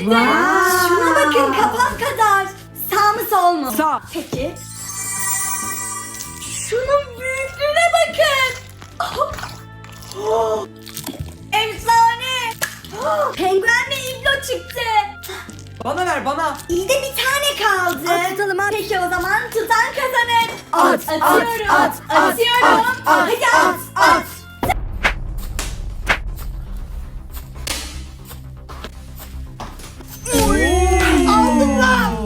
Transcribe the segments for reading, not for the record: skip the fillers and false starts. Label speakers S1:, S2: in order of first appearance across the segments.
S1: Şuna bakın, kafam kadar. Sağ mı sol mu?
S2: Sağ.
S1: Peki. Şunun büyüklüğüne bakın. Efsane. Penguenle iblo çıktı.
S2: Bana ver bana.
S1: İyi de bir tane kaldı.
S3: At tutalım, at.
S1: Peki o zaman tutan kazanır.
S3: At,
S1: Atıyorum.
S3: at, at,
S1: Atıyorum.
S3: at, at,
S1: Hadi at.
S2: Aldım lan.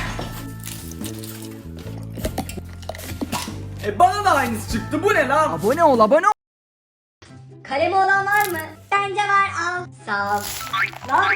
S2: Bana da aynısı çıktı. Bu ne lan? Abone ol, abone ol.
S1: Kalemi olan var mı? Bence var, al. Sağ ol. Lan.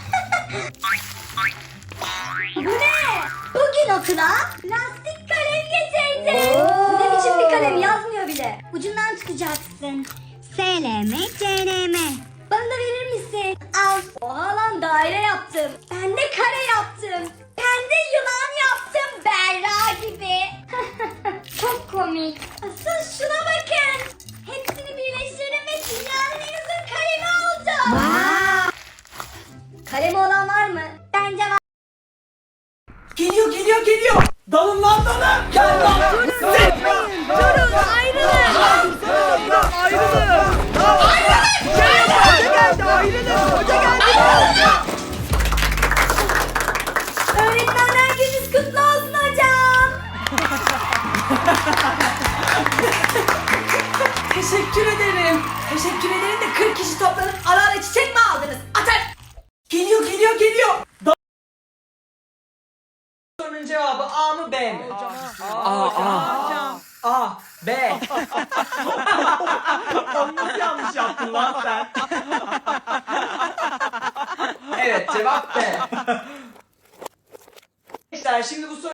S1: Bu ne? Bugün okula lastik kalem getirdim. Bu ne biçim bir kalem, yazmıyor bile. Ucundan tutacaksın. SLM, CLM. Bana da verir misin? Al. Oha lan, daire yaptım. Ben de kare yaptım. Ben de yılan yaptım, Berra gibi. Çok komik. Asıl şuna bakın. Hepsini birleştirdim ve dünyanın en uzun kalemi oldu. Kalemi olan var mı? Bence var.
S2: Geliyor, geliyor, geliyor. Dalın lan dalın. Gel lan.
S3: Durun, ayrılın.
S2: Ayrılın.
S3: Hoca geldi, ayrılın. Hoca geldi.
S1: Öğretmenler gününüz kutlu olsun hocam.
S2: Teşekkür ederim. Teşekkür ederim de 40 kişi toplanıp ara ara çiçek mi aldınız? Atar. Geliyor, geliyor, geliyor. Sorunun cevabı A mı B mi? A, B. Onu nasıl yanlış yaptın lan sen? Evet, cevap B. Arkadaşlar şimdi bu soru